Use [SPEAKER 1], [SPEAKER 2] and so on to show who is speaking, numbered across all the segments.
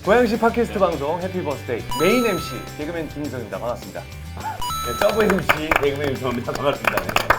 [SPEAKER 1] 고양시 팟캐스트 방송 해피 버스데이 메인 MC 개그맨 김인성입니다. 반갑습니다.
[SPEAKER 2] 네, 서브 MC 개그맨 유성입니다. 반갑습니다.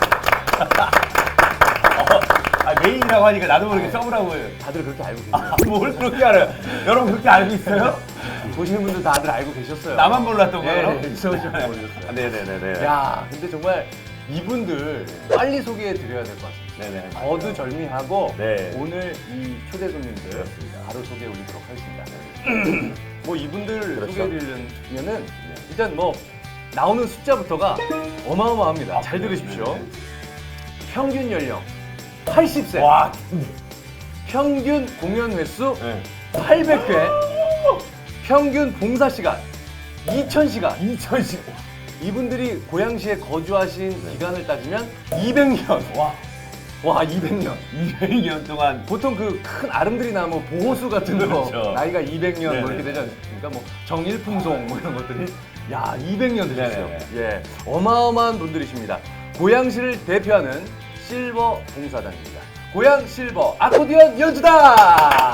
[SPEAKER 2] 메인이라고 하니까 나도 모르게 서브라고 해요.
[SPEAKER 1] 다들 그렇게 알고 계세요.
[SPEAKER 2] 뭘 그렇게 알아요? 여러분 그렇게 알고 있어요?
[SPEAKER 1] 보시는 분들 다들 알고 계셨어요.
[SPEAKER 2] 나만 몰랐던 거예요?
[SPEAKER 1] 네, 이성훈 씨만 모르셨어요.
[SPEAKER 2] 네네네네.
[SPEAKER 1] 야, 근데 정말 이분들 빨리 소개해 드려야 될 것 같습니다.
[SPEAKER 2] 네네.
[SPEAKER 1] 거두절미하고
[SPEAKER 2] 네.
[SPEAKER 1] 오늘 이 초대 손님들
[SPEAKER 2] 그렇습니다.
[SPEAKER 1] 바로 소개해 올리도록 하겠습니다. 뭐 이분들
[SPEAKER 2] 그렇죠.
[SPEAKER 1] 소개해 드리려면은 일단 뭐 나오는 숫자부터가 어마어마합니다. 잘 들으십시오.
[SPEAKER 2] 네.
[SPEAKER 1] 평균 연령 80세.
[SPEAKER 2] 와.
[SPEAKER 1] 평균 공연 횟수
[SPEAKER 2] 네.
[SPEAKER 1] 800회. 평균 봉사 시간 2000시간.
[SPEAKER 2] 2010.
[SPEAKER 1] 이분들이 고양시에 거주하신 기간을 따지면 200년. 와, 200년.
[SPEAKER 2] 200년 동안.
[SPEAKER 1] 보통 그 큰 아름드리 나무 보호수 같은 거
[SPEAKER 2] 그렇죠.
[SPEAKER 1] 나이가 200년 뭐
[SPEAKER 2] 네네.
[SPEAKER 1] 이렇게 되지 않습니까? 뭐 정일풍송 뭐 이런 것들이 야 200년 되셨어요.
[SPEAKER 2] 네네.
[SPEAKER 1] 예, 어마어마한 분들이십니다. 고양시를 대표하는 실버 봉사단입니다. 고양 실버 아코디언 연주단.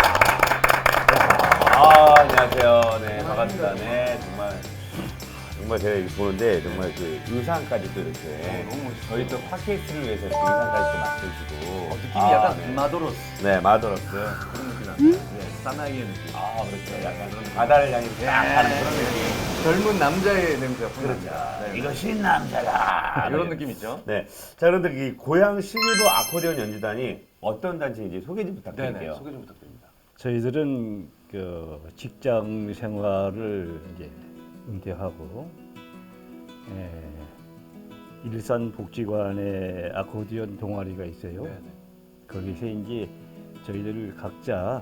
[SPEAKER 2] 안녕하세요. 네, 반갑습니다. 네, 정말 제가 이렇게 보는데 정말 그 의상까지 또 이렇게
[SPEAKER 1] 너무 멋있어요.
[SPEAKER 2] 저희 또 팟캐스트를 위해서 이렇게 의상까지 또 맞춰주시고
[SPEAKER 1] 느낌이 약간
[SPEAKER 2] 네.
[SPEAKER 1] 마도로스
[SPEAKER 2] 네, 마더러스.
[SPEAKER 1] 그런 느낌 납니다. 예, 사나이의 느낌.
[SPEAKER 2] 그렇죠. 약간 그런 바다를 향해 딱 가는 그런 느낌.
[SPEAKER 1] 젊은 남자의 냄새가 풍납니다.
[SPEAKER 2] 그렇죠.
[SPEAKER 1] 네.
[SPEAKER 2] 이것이 남자다.
[SPEAKER 1] 이런 느낌 있죠?
[SPEAKER 2] 네. 자, 그런데 이 고양 실버 아코디언 연주단이 어떤 단체인지 소개 좀 부탁드릴게요.
[SPEAKER 1] 네네, 소개 좀 부탁드립니다.
[SPEAKER 3] 저희들은 그 직장 생활을 이제 은퇴하고 일산 복지관에 아코디언 동아리가 있어요.
[SPEAKER 1] 네네.
[SPEAKER 3] 거기서 이제 저희들 각자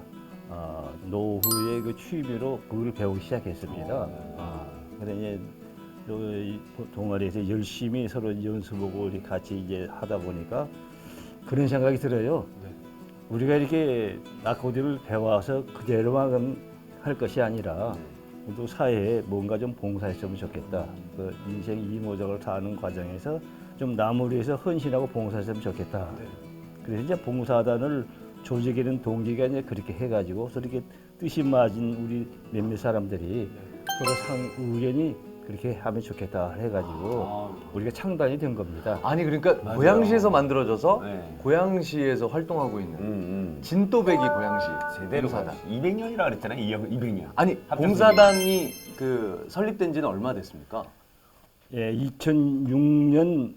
[SPEAKER 3] 노후의 그 취미로 그걸 배우기 시작했습니다. 그래서 이제 이 동아리에서 열심히 서로 연습하고 이렇게 같이 이제 하다 보니까 그런 생각이 들어요.
[SPEAKER 1] 네.
[SPEAKER 3] 우리가 이렇게 아코디언을 배워서 그대로만 할 것이 아니라 또 사회에 뭔가 좀 봉사했으면 좋겠다. 그 인생 이모작을 사는 과정에서 좀 남을 위해서 헌신하고 봉사했으면 좋겠다.
[SPEAKER 1] 네.
[SPEAKER 3] 그래서 이제 봉사단을 조직하는 동기가 이제 그렇게 해가지고 이렇게 뜻이 맞은 우리 몇몇 사람들이 서로 의견이 그렇게 하면 좋겠다 해가지고 우리가 창단이 된 겁니다.
[SPEAKER 1] 아니 그러니까
[SPEAKER 2] 맞아요.
[SPEAKER 1] 고양시에서 만들어져서
[SPEAKER 2] 네.
[SPEAKER 1] 고양시에서 활동하고 있는 진또배기 고양시
[SPEAKER 2] 제대로
[SPEAKER 1] 봉사단.
[SPEAKER 2] 200년이라 그랬잖아요. 200년.
[SPEAKER 1] 아니
[SPEAKER 2] 합쳐서
[SPEAKER 1] 봉사단이 그 설립된 지는 얼마 됐습니까?
[SPEAKER 3] 예, 2006년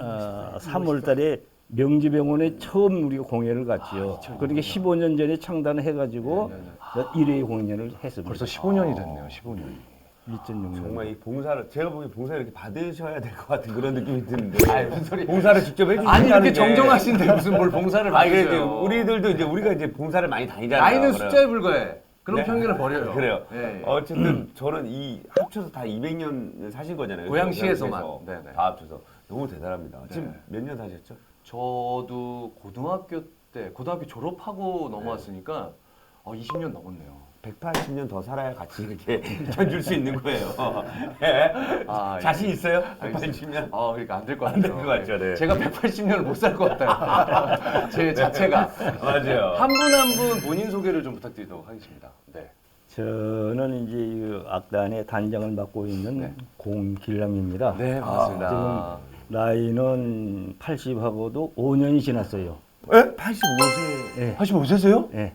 [SPEAKER 3] 3월 달에 명지병원에 처음 우리가 공연을 갔지요. 그러니까 15년 전에 창단을 해가지고 1회 공연을 했습니다.
[SPEAKER 1] 벌써 15년이 됐네요. 15년이.
[SPEAKER 3] 2006년.
[SPEAKER 2] 정말 이 봉사를 제가 보기엔 봉사를 이렇게 받으셔야 될 것 같은 그런 느낌이 드는데.
[SPEAKER 1] 아니, 무슨 소리.
[SPEAKER 2] 봉사를 직접 해주신다는
[SPEAKER 1] 아니 이렇게
[SPEAKER 2] 게.
[SPEAKER 1] 정정하신데 무슨 뭘 봉사를
[SPEAKER 2] 아니 그래
[SPEAKER 1] 받으세요?
[SPEAKER 2] 우리들도 이제 우리가 이제 봉사를 많이 다니잖아요.
[SPEAKER 1] 나이는
[SPEAKER 2] 그래요.
[SPEAKER 1] 숫자에 불과해. 그런
[SPEAKER 2] 네.
[SPEAKER 1] 편견을 버려요.
[SPEAKER 2] 그래요.
[SPEAKER 1] 예, 예.
[SPEAKER 2] 어쨌든 저는 이 합쳐서 다 200년 사신 거잖아요.
[SPEAKER 1] 고양시에서만.
[SPEAKER 2] 고양시에서
[SPEAKER 1] 네네.
[SPEAKER 2] 다 합쳐서 너무 대단합니다. 지금
[SPEAKER 1] 네.
[SPEAKER 2] 몇 년 사셨죠?
[SPEAKER 1] 저도 고등학교 졸업하고 넘어왔으니까 20년 넘었네요.
[SPEAKER 2] 180년 더 살아야 같이 이렇게 견줄 수 있는 거예요. 예.
[SPEAKER 1] 아, 예.
[SPEAKER 2] 자신 있어요?
[SPEAKER 1] 알겠습니다.
[SPEAKER 2] 180년?
[SPEAKER 1] 그러니까 안 될 것
[SPEAKER 2] 안
[SPEAKER 1] 같아요.
[SPEAKER 2] 될 것 같죠, 네.
[SPEAKER 1] 제가 180년을 못 살 것 같아요. 제 자체가.
[SPEAKER 2] 맞아요.
[SPEAKER 1] 한 분 한 분 본인 소개를 좀 부탁드리도록 하겠습니다. 네.
[SPEAKER 3] 저는 이제 이 악단의 단장을 맡고 있는
[SPEAKER 1] 네.
[SPEAKER 3] 공길남입니다.
[SPEAKER 1] 네, 반갑습니다.
[SPEAKER 3] 지금 나이는 80하고도 5년이 지났어요.
[SPEAKER 2] 예? 85세.
[SPEAKER 3] 예.
[SPEAKER 2] 85세세요?
[SPEAKER 3] 예.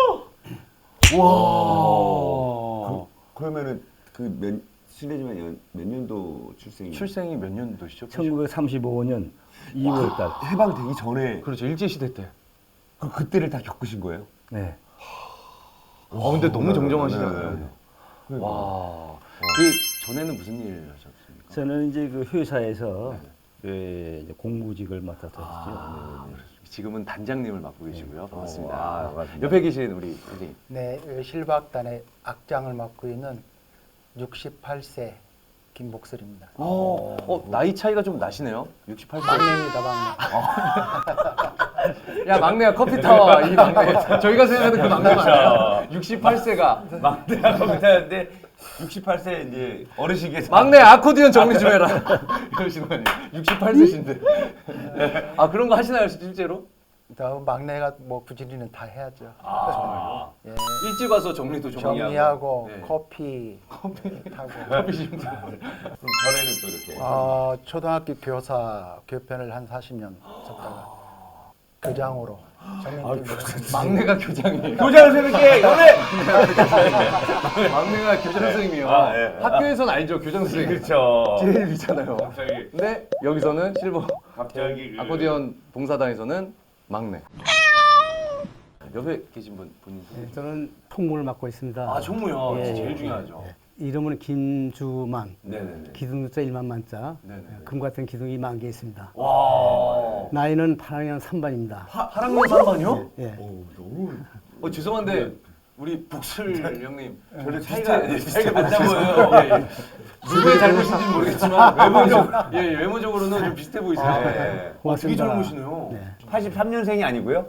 [SPEAKER 1] 와.
[SPEAKER 2] 그러면은 실례지만 몇 년도 출생이?
[SPEAKER 1] 출생이 몇 년도시죠?
[SPEAKER 3] 1935년 2월 달.
[SPEAKER 2] 해방되기 전에
[SPEAKER 1] 그렇죠. 일제시대 때.
[SPEAKER 2] 그때를 다 겪으신 거예요?
[SPEAKER 3] 네.
[SPEAKER 1] 근데 너무 정정하시잖아요.
[SPEAKER 2] 네.
[SPEAKER 1] 와. 그 전에는 무슨 일 하셨습니까?
[SPEAKER 3] 저는 이제 그 회사에서 그 이제 공무직을 맡았었죠.
[SPEAKER 1] 지금은 단장님을 맡고 계시고요. 반갑습니다.
[SPEAKER 2] 반갑습니다.
[SPEAKER 1] 옆에 계신 우리 선생님.
[SPEAKER 4] 네, 실버악단의 악장을 맡고 있는 68세 김복설입니다.
[SPEAKER 1] 나이 차이가 좀 나시네요. 68세.
[SPEAKER 4] 막내입니다, 막내.
[SPEAKER 1] 야, 막내야 커피 타와. 이 막내. 저희가 생각하는 그 막내 맞아요. 68세가
[SPEAKER 2] 막내가 거기다는데 68세 이제 어르신께서
[SPEAKER 1] 막내 아코디언 정리 좀 해라. 이러시는 거 아니에요? 68세신데. 그런 거 하시나요, 실제로?
[SPEAKER 4] 막내가 뭐 부지리는 다 해야죠. 예.
[SPEAKER 1] 일찍 와서 정리도
[SPEAKER 4] 정리하고
[SPEAKER 1] 네.
[SPEAKER 4] 커피 타고.
[SPEAKER 1] 커피 심지.
[SPEAKER 2] 그럼 전에는 또 이렇게.
[SPEAKER 4] 초등학교 교사 교편을 한 40년 썼다가 교장으로 전면
[SPEAKER 1] 막내가 교장이에요.
[SPEAKER 2] 교장 선생님께 연애.
[SPEAKER 1] 막내가 교장 선생님이요.
[SPEAKER 2] 아, 예.
[SPEAKER 1] 학교에서는 알죠, 교장 선생님.
[SPEAKER 2] 그렇죠.
[SPEAKER 1] 제일 위잖아요.
[SPEAKER 2] 갑자기
[SPEAKER 1] 근데 여기서는 실버
[SPEAKER 2] 갑자기
[SPEAKER 1] 아코디언 봉사단에서는 막내. 옆에 계신 분 본인 소개.
[SPEAKER 5] 저는 총무를 맡고 있습니다.
[SPEAKER 1] 아, 총무요.
[SPEAKER 5] 예,
[SPEAKER 1] 제일
[SPEAKER 5] 예.
[SPEAKER 1] 중요하죠.
[SPEAKER 5] 이름은 김주만,
[SPEAKER 1] 네네네.
[SPEAKER 5] 기둥자 1만만자,
[SPEAKER 1] 네네네.
[SPEAKER 5] 금 같은 기둥이 10,000개 있습니다.
[SPEAKER 1] 와.
[SPEAKER 5] 나이는 8학년 3반입니다.
[SPEAKER 1] 8학년 3반이요?
[SPEAKER 5] 예.
[SPEAKER 1] 죄송한데 우리 북술 형님
[SPEAKER 2] 저는 차이가
[SPEAKER 1] 비슷해 보여요. 예, 예. 누구의 잘못인지는 모르겠지만 외모적으로는 좀 비슷해 보이세요.
[SPEAKER 2] 아, 네.
[SPEAKER 1] 되게
[SPEAKER 5] 고맙습니다.
[SPEAKER 1] 젊으시네요.
[SPEAKER 5] 네.
[SPEAKER 2] 83년생이 아니고요?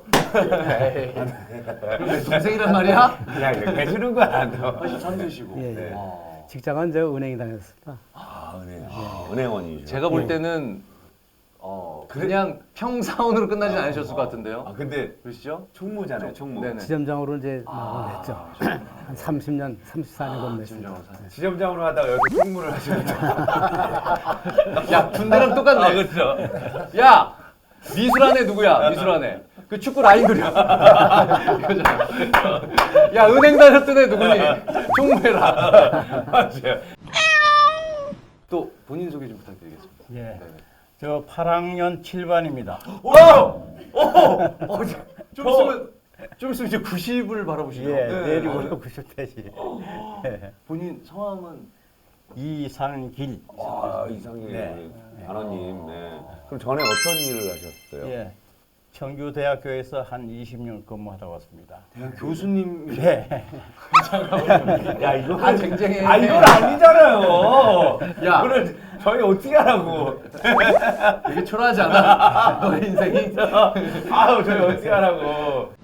[SPEAKER 1] 그럼 내 동생이란 말이야?
[SPEAKER 2] 그냥 이렇게 해주는 거야.
[SPEAKER 1] 83세시고.
[SPEAKER 5] 예, 예.
[SPEAKER 2] 네.
[SPEAKER 5] 직장은 저 은행에 다녔습니다.
[SPEAKER 2] 은행원이죠.
[SPEAKER 1] 제가 볼 때는 그냥 평사원으로 끝나진 않으셨을 것 같은데요.
[SPEAKER 2] 아 근데
[SPEAKER 1] 그러시죠?
[SPEAKER 2] 총무잖아요, 총무.
[SPEAKER 1] 네네.
[SPEAKER 5] 지점장으로 이제 냈죠. 한 30년, 34년 근무했습니다.
[SPEAKER 1] 지점장으로 사세요.
[SPEAKER 2] 지점장으로 하다가 여기 총무를 하시는 거.
[SPEAKER 1] 야, 군대랑 똑같네.
[SPEAKER 2] 아, 그렇죠.
[SPEAKER 1] 야! 미술안에 누구야? 미술안에. 그 축구 라인 그려. 이거잖아. 야, 은행 다녔던 애 누구니? 총무해라.
[SPEAKER 2] 맞아요.
[SPEAKER 1] 또 본인 소개 좀 부탁드리겠습니다.
[SPEAKER 6] 예,
[SPEAKER 1] 네네.
[SPEAKER 6] 저 8학년 7반입니다.
[SPEAKER 1] 좀 있으면 이제 90을 바라보시죠.
[SPEAKER 6] 예,
[SPEAKER 1] 네.
[SPEAKER 6] 내리고 90대지.
[SPEAKER 1] 본인 성함은
[SPEAKER 6] 이상길.
[SPEAKER 2] 아 이상희
[SPEAKER 6] 네.
[SPEAKER 2] 단원님. 네. 그럼 전에 어떤 일을 하셨어요?
[SPEAKER 6] 예, 청주대학교에서 한 20년 근무하다 왔습니다.
[SPEAKER 1] 대학 교수님.
[SPEAKER 6] 네.
[SPEAKER 2] 야 이거
[SPEAKER 1] 아, 쟁쟁해.
[SPEAKER 2] 아 이건 아니잖아요.
[SPEAKER 1] 야.
[SPEAKER 2] 이거를 저희 어떻게 하라고?
[SPEAKER 1] 되게 초라하지 않아? 너의 인생이?
[SPEAKER 2] 아우 저희 어떻게 하라고?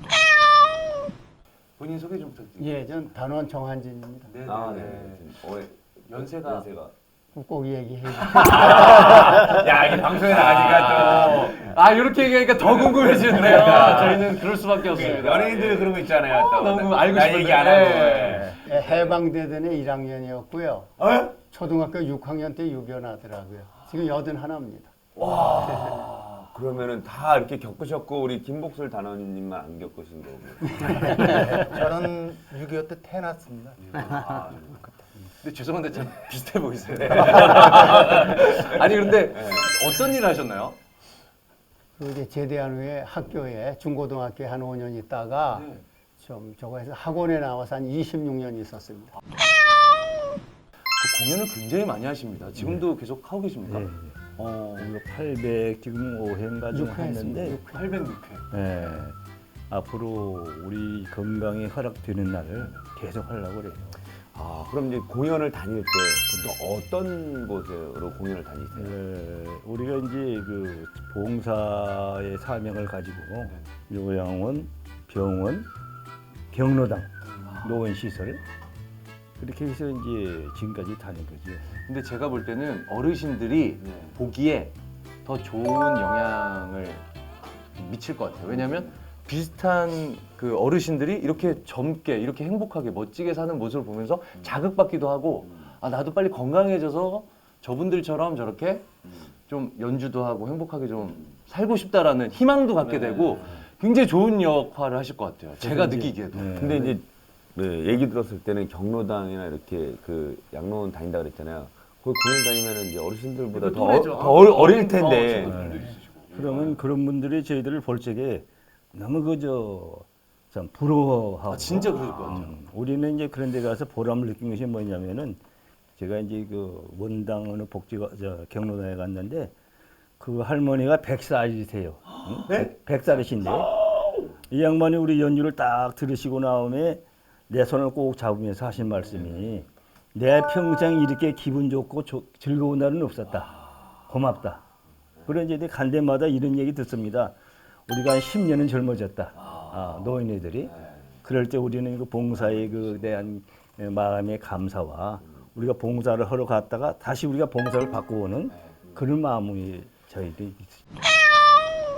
[SPEAKER 1] 본인 소개 좀 부탁드립니다.
[SPEAKER 5] 예, 전 단원 정한진입니다.
[SPEAKER 1] 네.
[SPEAKER 2] 아 네. 올해
[SPEAKER 1] 연세가
[SPEAKER 5] 꼭 얘기해 주세요.
[SPEAKER 2] 야 이게 방송에 나가니까 또
[SPEAKER 1] 이렇게 얘기하니까 더 궁금해지는데요. 저희는 그럴 수밖에 없습니다.
[SPEAKER 2] 연예인들 그런 거 있잖아요. 또
[SPEAKER 1] 너무 알고
[SPEAKER 2] 나
[SPEAKER 1] 싶은데.
[SPEAKER 2] 얘기 안 하고.
[SPEAKER 1] 네.
[SPEAKER 5] 예, 해방대전의 1학년이었고요.
[SPEAKER 2] 어?
[SPEAKER 5] 초등학교 6학년 때 유견하더라고요. 지금 81입니다.
[SPEAKER 2] 그러면은 다 이렇게 겪으셨고 우리 김복술 단원님만 안 겪으신 거고.
[SPEAKER 4] 저는 6.25 때 태어났습니다.
[SPEAKER 1] 근데 죄송한데 참 비슷해 보이세요. 아니 근데 어떤 일을 하셨나요?
[SPEAKER 5] 그 이제 제대한 후에 학교에 중고등학교에 한 5년 있다가
[SPEAKER 1] 네.
[SPEAKER 5] 좀 저거 해서 학원에 나와서 한 26년 있었습니다.
[SPEAKER 1] 그 공연을 굉장히 많이 하십니다. 지금도 계속 하고 계십니까?
[SPEAKER 3] 네. 우리가 800 지금 5회인가 좀 했는데
[SPEAKER 1] 806회.
[SPEAKER 3] 예, 앞으로 우리 건강이 허락되는 날을 계속 하려고 그래요.
[SPEAKER 2] 아 그럼 이제 공연을 다닐 때 보통 어떤 곳으로 공연을 다니세요?
[SPEAKER 3] 우리가 이제 그 봉사의 사명을 가지고 요양원, 병원, 경로당, 노인시설 그렇게 해서 이제 지금까지 다닌 거죠.
[SPEAKER 1] 근데 제가 볼 때는 어르신들이 보기에 더 좋은 영향을 미칠 것 같아요. 왜냐하면 비슷한 그 어르신들이 이렇게 젊게, 이렇게 행복하게, 멋지게 사는 모습을 보면서 자극받기도 하고, 나도 빨리 건강해져서 저분들처럼 저렇게 좀 연주도 하고 행복하게 좀 살고 싶다라는 희망도 갖게 되고 굉장히 좋은 역할을 하실 것 같아요. 제가 느끼기에도.
[SPEAKER 2] 근데 이제 얘기 들었을 때는 경로당이나 이렇게 그 양로원 다닌다 그랬잖아요. 거기 공연 다니면은 이제 어르신들보다 더 어릴 텐데.
[SPEAKER 3] 그러면 그런 분들이 저희들을 볼 적에 너무 참 부러워하고.
[SPEAKER 1] 진짜 그럴 것 같아요.
[SPEAKER 3] 우리는 이제 그런 데 가서 보람을 느낀 것이 뭐냐면은 제가 이제 그 원당 어느 경로당에 갔는데 그 할머니가 100살이세요. 응? 100살이신데 이 양반이 우리 연주를 딱 들으시고 나오면 내 손을 꼭 잡으면서 하신 말씀이 내 평생 이렇게 기분 좋고 즐거운 날은 없었다. 고맙다. 그런 이제 간 데마다 이런 얘기 듣습니다. 우리가 한 10년은 젊어졌다. 노인네들이. 그럴 때 우리는 그 봉사에 그 대한 마음의 감사와 우리가 봉사를 하러 갔다가 다시 우리가 봉사를 받고 오는 그런 마음이 저희들이 있습니다.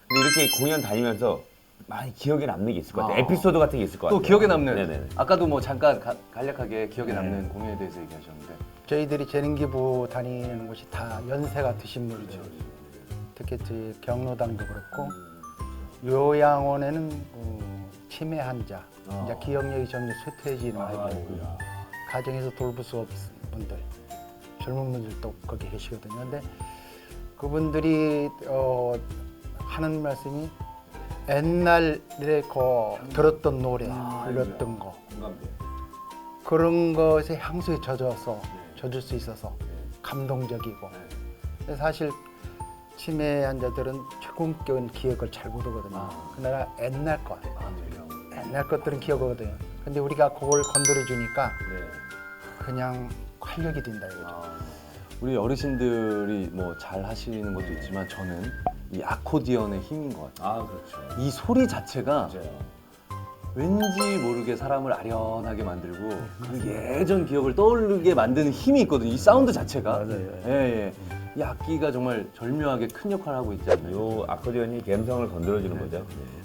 [SPEAKER 2] 근데 이렇게 공연 다니면서 많이 기억에 남는 게 있을 것 같아요.
[SPEAKER 1] 아.
[SPEAKER 2] 에피소드 같은 게 있을 것 같아요.
[SPEAKER 1] 또 기억에 남는
[SPEAKER 2] 네네네.
[SPEAKER 1] 아까도 뭐 잠깐 간략하게 기억에 남는 공연에 대해서 얘기하셨는데
[SPEAKER 4] 저희들이 재능기부 다니는 곳이 다 연세가 드신 분들, 특히 저희 경로당도 그렇고 요양원에는 치매 환자, 이제 기억력이 점점 쇠퇴해지는 아이들, 가정에서 돌볼 수 없는 분들, 젊은 분들도 거기 계시거든요. 근데 그분들이 하는 말씀이 옛날에 들었던 노래, 불렀던 거 그런 것에 향수에 젖을 수 있어서 감동적이고 그래서 사실 치매 환자들은 최고급적인 기억을 잘 못하거든요. 그러나 옛날 것들은 기억하거든요. 근데 우리가 그걸 건드려 주니까 그냥 활력이 된다 이거죠.
[SPEAKER 1] 우리 어르신들이 뭐 잘 하시는 것도 있지만 저는 이 아코디언의 힘인 것 같아요.
[SPEAKER 2] 아 그렇죠.
[SPEAKER 1] 이 소리 자체가
[SPEAKER 2] 맞아요.
[SPEAKER 1] 왠지 모르게 사람을 아련하게 만들고 그 예전 기억을 떠오르게 만드는 힘이 있거든요. 이 사운드 자체가.
[SPEAKER 3] 맞아요.
[SPEAKER 1] 예, 예. 이 악기가 정말 절묘하게 큰 역할을 하고 있지 않나요?
[SPEAKER 2] 요 아코디언이 감성을 건드려주는 거죠.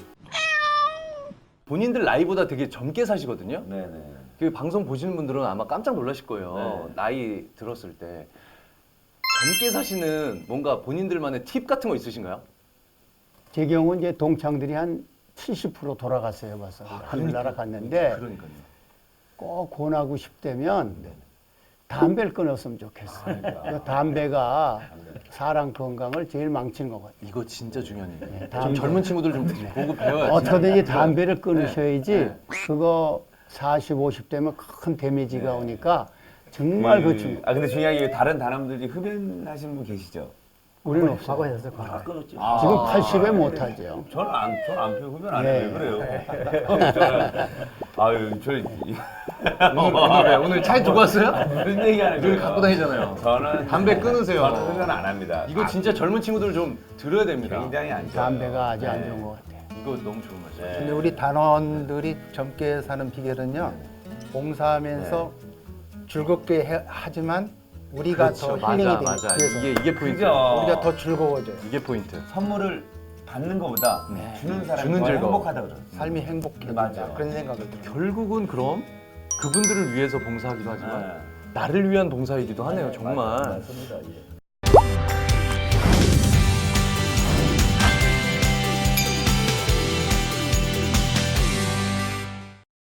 [SPEAKER 1] 본인들 나이보다 되게 젊게 사시거든요.
[SPEAKER 2] 네네.
[SPEAKER 1] 그 방송 보시는 분들은 아마 깜짝 놀라실 거예요.
[SPEAKER 2] 네.
[SPEAKER 1] 나이 들었을 때. 젊게 사시는 뭔가 본인들만의 팁 같은 거 있으신가요?
[SPEAKER 5] 제 경우 이제 동창들이 한 70% 돌아갔어요, 벌써. 하늘나라 갔는데
[SPEAKER 1] 그러니까요.
[SPEAKER 5] 꼭 권하고 싶다면 담배를 끊었으면 좋겠어요. 그 담배가 사람 건강을 제일 망치는 것 같아요.
[SPEAKER 1] 이거 진짜 중요한 얘기예요. 좀
[SPEAKER 5] 담배.
[SPEAKER 1] 젊은 친구들 좀 보고 배워야지.
[SPEAKER 5] 어떻게든지 담배를 끊으셔야지
[SPEAKER 1] 네.
[SPEAKER 5] 그거 40, 50 되면 큰 데미지가 오니까 정말 그
[SPEAKER 2] 근데 중요한 게 다른 단원들이 흡연하시는 분 계시죠?
[SPEAKER 5] 우리는 없어요.
[SPEAKER 3] 다 끊었지.
[SPEAKER 5] 지금 80에 못하죠.
[SPEAKER 2] 저는 안 피워 흡연 안 해요.
[SPEAKER 5] 네.
[SPEAKER 2] 왜 그래요? 저는 아유
[SPEAKER 1] 오늘 차에 두고 왔어요?
[SPEAKER 2] 무슨 얘기하는
[SPEAKER 1] 늘
[SPEAKER 2] 거예요?
[SPEAKER 1] 갖고 다니잖아요.
[SPEAKER 2] 저는
[SPEAKER 1] 담배 끊으세요.
[SPEAKER 2] 저는 흡연 안 합니다.
[SPEAKER 1] 이거 진짜 젊은 친구들 좀 들어야 됩니다.
[SPEAKER 2] 굉장히 안 좋아요.
[SPEAKER 5] 담배가 아주 안
[SPEAKER 2] 네.
[SPEAKER 5] 좋은 것 같아요.
[SPEAKER 1] 이거 너무 좋은 말이에요.
[SPEAKER 4] 근데 우리 단원들이 젊게 사는 비결은요, 봉사하면서 즐겁게 하지만 우리가 더 힐링이 되니까
[SPEAKER 1] 맞아.
[SPEAKER 4] 그래서
[SPEAKER 1] 이게 포인트.
[SPEAKER 2] 그죠?
[SPEAKER 4] 우리가 더 즐거워져요.
[SPEAKER 1] 이게 포인트.
[SPEAKER 2] 선물을 받는 것보다 주는 사람이
[SPEAKER 1] 주는
[SPEAKER 2] 더
[SPEAKER 1] 즐거움.
[SPEAKER 2] 행복하다 그러죠.
[SPEAKER 4] 삶이 행복해진다
[SPEAKER 2] 맞아요.
[SPEAKER 4] 그런 생각을 들어요.
[SPEAKER 1] 결국은 그럼 그분들을 위해서 봉사하기도 하지만
[SPEAKER 2] 네.
[SPEAKER 1] 나를 위한 봉사이기도 하네요. 정말.
[SPEAKER 3] 맞습니다. 예.